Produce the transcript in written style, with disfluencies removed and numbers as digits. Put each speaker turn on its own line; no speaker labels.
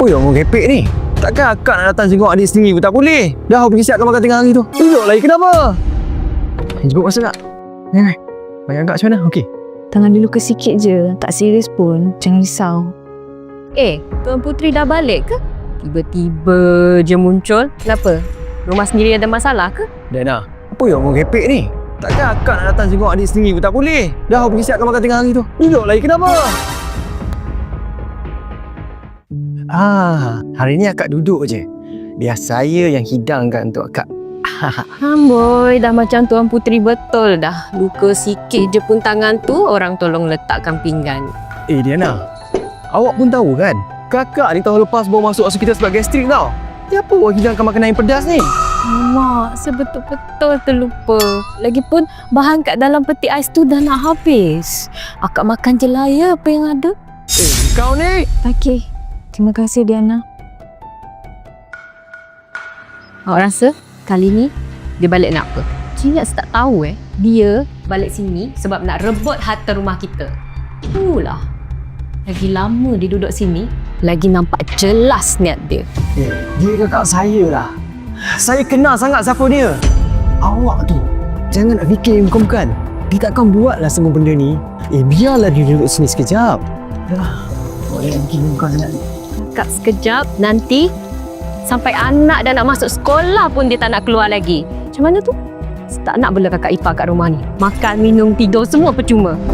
Apa yang orang kepek ni? Takkan akak nak datang tengok adik sendiri pun tak boleh. Dah pergi siapkan makan tengah hari tu. Duduk lagi kenapa? Jemput masa tak? Ni. Bayang akak macam mana? Okey.
Tangan dia luka sikit je. Tak serius pun. Jangan risau.
Tuan Puteri dah balik ke? Tiba-tiba je muncul. Kenapa? Rumah sendiri ada masalah ke?
Dana, apa yang orang kepek ni? Takkan akak nak datang tengok adik sendiri pun tak boleh. Dah pergi siapkan makan tengah hari tu. Duduk lagi kenapa? Hari ni akak duduk je. Biar saya yang hidangkan untuk akak.
Amboi, dah macam Tuan Puteri betul dah. Luka sikit je pun tangan tu, orang tolong letakkan pinggan.
Diana, awak pun tahu kan? Kakak ni tahun lepas baru masuk hospital sebab gastrik tau. Apa awak hidangkan makanan yang pedas ni?
Mak, sebetul-betul terlupa. Lagipun bahan kat dalam peti ais tu dah nak habis. Akak makan je lah ya apa yang ada.
Kau ni!
Okey. Terima kasih, Diana.
Awak rasa kali ni dia balik nak apa? Cik tak tahu dia balik sini sebab nak rebut harta rumah kita. Itulah. Lagi lama dia duduk sini, lagi nampak jelas niat dia.
Dia kakak saya lah. Saya kenal sangat siapa dia. Awak tu jangan nak fikir bukan-bukan. Dia takkan buatlah semua benda ni. Biarlah dia duduk sini sekejap. Boleh fikir bukan sangat.
Kakak sekejap, nanti sampai anak dah nak masuk sekolah pun dia tak nak keluar lagi. Macam mana tu? Tak nak bela kakak ipar kat rumah ni. Makan, minum, tidur semua percuma.